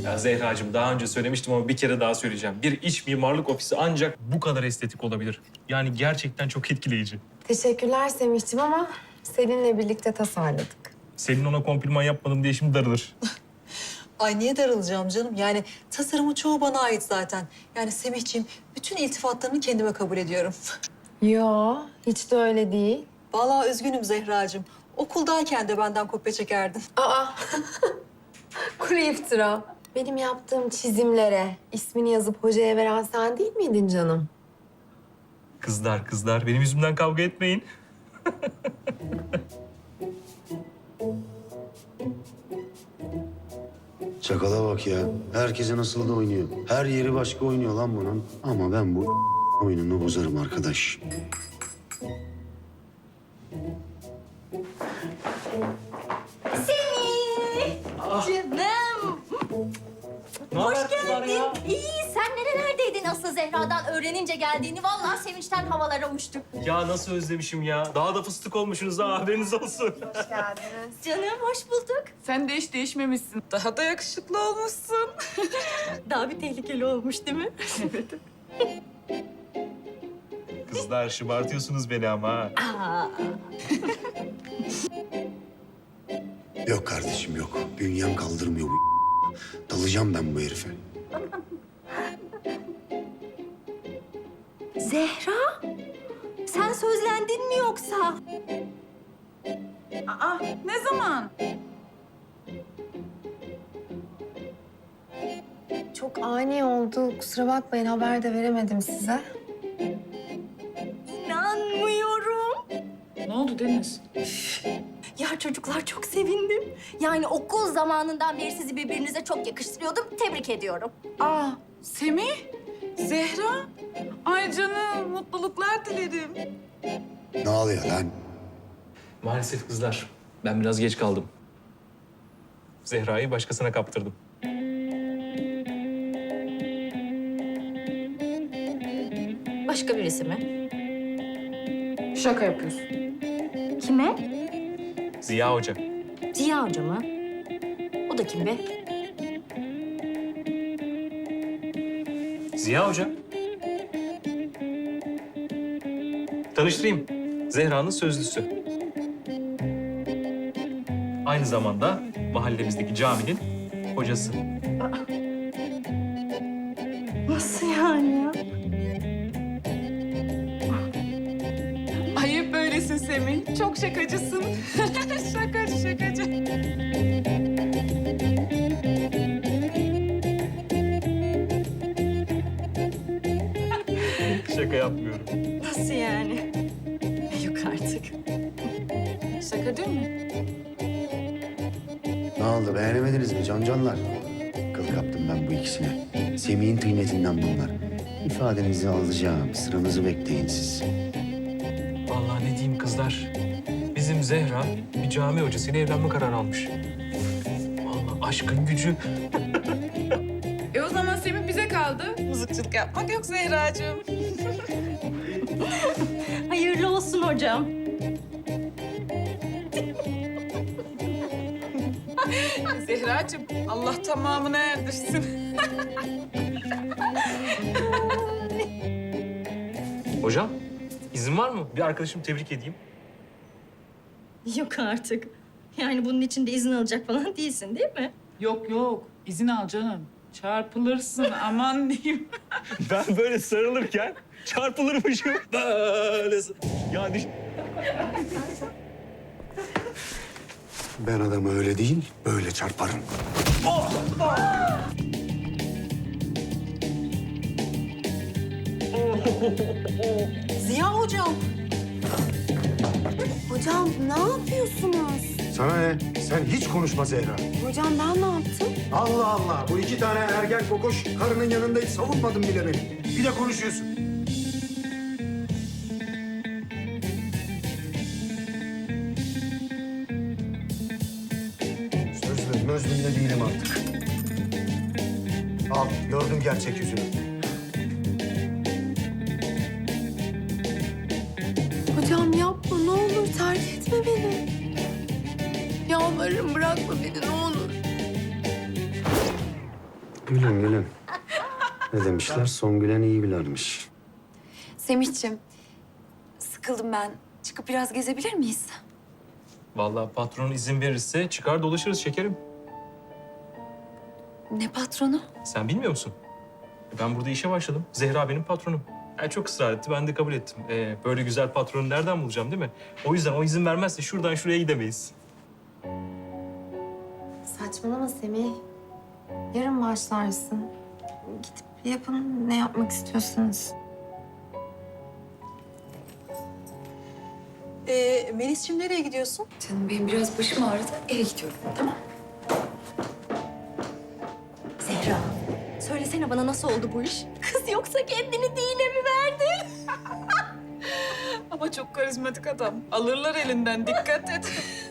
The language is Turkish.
Ya Zehracığım daha önce söylemiştim ama bir kere daha söyleyeceğim. Bir iç mimarlık ofisi ancak bu kadar estetik olabilir. Yani gerçekten çok etkileyici. Teşekkürler Semih'ciğim ama Selin'le birlikte tasarladık. Selin ona kompliman yapmadım diye şimdi darılır. Ay niye darılacağım canım? Yani tasarımın çoğu bana ait zaten. Yani Semihciğim bütün iltifatlarını kendime kabul ediyorum. Yo, hiç de öyle değil. Vallahi üzgünüm Zehracığım. Okuldayken de benden kopya çekerdin. Aa, kuru iftira. Benim yaptığım çizimlere ismini yazıp hocaya veren sen değil miydin canım? Kızlar benim yüzümden kavga etmeyin. Çakala bak ya. Herkese nasıl da oynuyor. Her yeri başka oynuyor lan bunun. Ama ben bu oyununu bozarım arkadaş. Canım. Hoş geldin. İyi, sen nerelerdeydin asıl Zehra'dan öğrenince geldiğini? Vallahi sevinçten havalara uçtuk. Ya nasıl özlemişim ya. Daha da fıstık olmuşsunuz ha, haberiniz olsun. Hoş geldiniz. Canım, hoş bulduk. Sen de hiç değişmemişsin. Daha da yakışıklı olmuşsun. Daha bir tehlikeli olmuş değil mi? Kızlar şımartıyorsunuz beni ama ha. Aa, Yok kardeşim yok. Bünyem kaldırmıyor bu. Dalacağım ben bu herife. Zehra, sen sözlendin mi yoksa? Aa, ne zaman? Çok ani oldu. Kusura bakmayın, haber de veremedim size. İnanmıyorum. Ne oldu Deniz? Ya çocuklar çok sevindim. Yani okul zamanından beri sizi birbirinize çok yakıştırıyordum. Tebrik ediyorum. Aa, Semih, Zehra. Ay canım, mutluluklar dilerim. Ne oluyor lan? Maalesef kızlar, ben biraz geç kaldım. Zehra'yı başkasına kaptırdım. Başka birisi mi? Şaka yapıyorsun. Kime? Ziya Hoca. Ziya Hoca mı? O da kim be? Ziya Hoca. Tanıştırayım. Zehra'nın sözlüsü. Aynı zamanda mahallemizdeki caminin hocası. Nasıl yani ya? Ayıp böylesin Semih. Çok şakacısın. şakacı. Şaka yapmıyorum. Nasıl yani? Yok artık. Şaka değil mi? Ne oldu beğenemediniz mi canlar? Kıl kaptım ben bu ikisine. Semih'in tıynetinden bunlar. İfadenizi alacağım. Sıranızı bekleyin siz. Vallahi ne diyeyim kızlar. Bizim Zehra bir cami hocasıyla evlenme kararı almış. Vallahi aşkın gücü. O zaman Semih bize kaldı. Mızıkçılık yapmak yok Zehracığım. Hayırlı olsun hocam. Zehracığım, Allah tamamına erdirsin. Hocam, izin var mı? Bir arkadaşımı tebrik edeyim. Yok artık. Yani bunun için de izin alacak falan değilsin değil mi? Yok, izin al canım. Çarpılırsın, aman diyeyim. Ben böyle sarılırken çarpılırmışım. Böyle. Yani Ben adamı öyle değil, böyle çarparım. Ziya hocam. Hocam ne yapıyorsunuz? Sana ne? Sen hiç konuşma Zehra. Hocam ben ne yaptım? Allah Allah. Bu iki tane ergen kokoş karının yanında hiç savunmadın bile beni. Bir de konuşuyorsun. Sözlüm de değilim artık. Al, gördüm gerçek yüzünü. Hocam yapma, ne olur terk etme beni. Yalvarırım, bırakma beni, ne olur. Gülün gülün. Ne demişler? Son gülen iyi bilermiş. Semihciğim, sıkıldım ben. Çıkıp biraz gezebilir miyiz? Vallahi patron izin verirse çıkar dolaşırız şekerim. Ne patronu? Sen bilmiyor musun? Ben burada işe başladım. Zehra benim patronum. Yani çok ısrar etti, ben de kabul ettim. Böyle güzel patronu nereden bulacağım değil mi? O yüzden o izin vermezse şuradan şuraya gidemeyiz. Saçmalama Semih. Yarın başlarsın. Gidip yapın ne yapmak istiyorsanız. Melis'ciğim nereye gidiyorsun? Canım benim biraz başım ağrıdı. Eve gidiyorum, tamam? Zehra, söylesene bana nasıl oldu bu iş? Kız yoksa kendini dine mi verdi? Ama çok karizmatik adam. Alırlar elinden, dikkat et.